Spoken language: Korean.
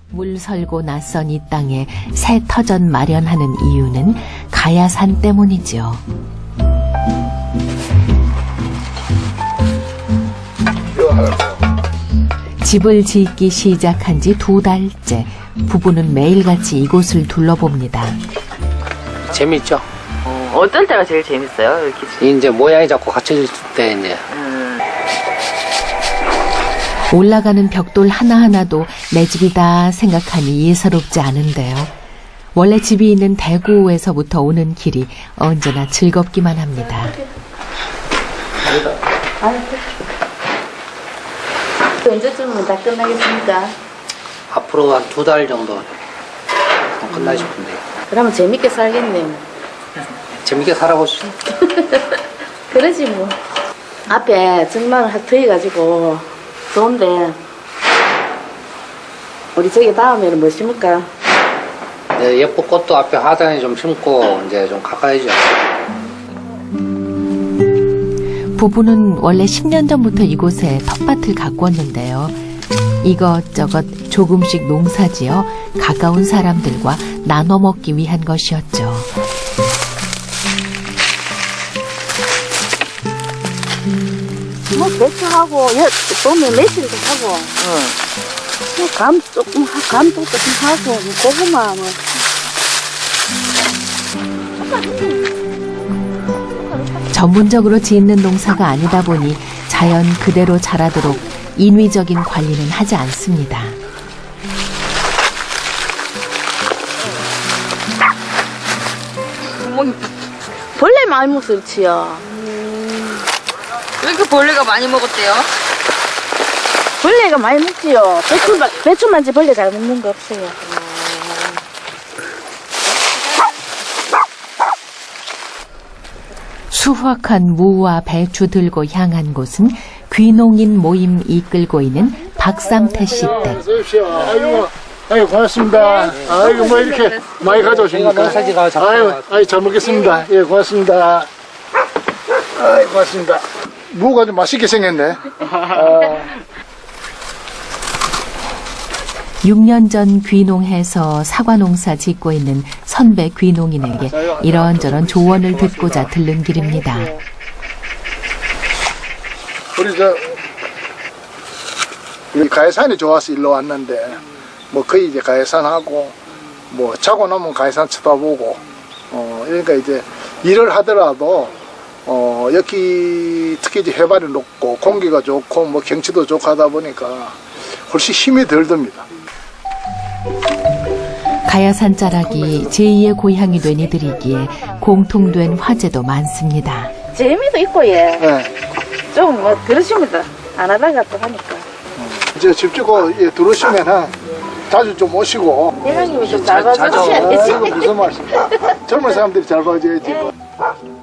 물설고 낯선 이 땅에 새 터전 마련하는 이유는 가야산 때문이죠. 집을 짓기 시작한 지 2달째 부부는 매일같이 이곳을 둘러봅니다. 재밌죠? 어떤 때가 제일 재밌어요? 이렇게 이제 모양이 자꾸 갖춰질 때 이제 올라가는 벽돌 하나하나도 내 집이다 생각하니 예사롭지 않은데요. 원래 집이 있는 대구에서부터 오는 길이 언제나 즐겁기만 합니다. 언제쯤은 다 끝나겠습니까? 앞으로 한 2달 정도 끝나 싶은데 그러면 재밌게 살겠네요. 재밌게 살아보시죠. 그러지 뭐. 앞에 정말 트여가지고 좋은데 우리 저기 다음에는 뭐 심을까? 네, 예쁜 꽃도 앞에 하단에 좀 심고 이제 좀 가까이죠. 부부는 원래 10년 전부터 이곳에 텃밭을 가꾸었는데요. 이것저것 조금씩 농사지어 가까운 사람들과 나눠 먹기 위한 것이었죠. 뭐 배추하고 봄에 매실도 하고 뭐 감 조금 감도 조금 하고 뭐 고구마 뭐. 전문적으로 짓는 농사가 아니다 보니 자연 그대로 자라도록 인위적인 관리는 하지 않습니다. 벌레 많이 먹었지요. 왜 이렇게 벌레가 많이 먹었대요? 벌레가 많이 먹지요. 배추만지 벌레 잘 먹는 거 없어요. 수확한 무와 배추 들고 향한 곳은 귀농인 모임 이끌고 있는 박삼태 씨 댁. 아이고 고맙습니다. 아이고 뭐 이렇게 많이 가져오십니까? 아이고 잘 먹겠습니다. 예 고맙습니다. 아이고 고맙습니다. 무가 좀 맛있게 생겼네. 6년 전 귀농해서 사과 농사 짓고 있는 선배 귀농인에게 이런저런 조언을 듣고자 들른 길입니다. 우리 가해산이 좋아서 일로 왔는데 뭐 거의 이제 가해산하고 뭐 자고 나면 가해산 쳐다보고 그러니까 이제 일을 하더라도 여기 특히 이제 해발이 높고 공기가 좋고 뭐 경치도 좋고 하다 보니까 훨씬 힘이 덜 듭니다. 가야산 자락이 제2의 고향이 된 이들이기에 공통된 화제도 많습니다. 재미도 있고 예. 네. 좀 뭐 그러십니다. 안 하다가 또 하니까. 이제 집 짓고 들어오시면은 자주 좀 오시고. 회장님이 좀 잘 봐주셔야지. 무슨 말씀? 젊은 사람들이 잘 봐줘야지.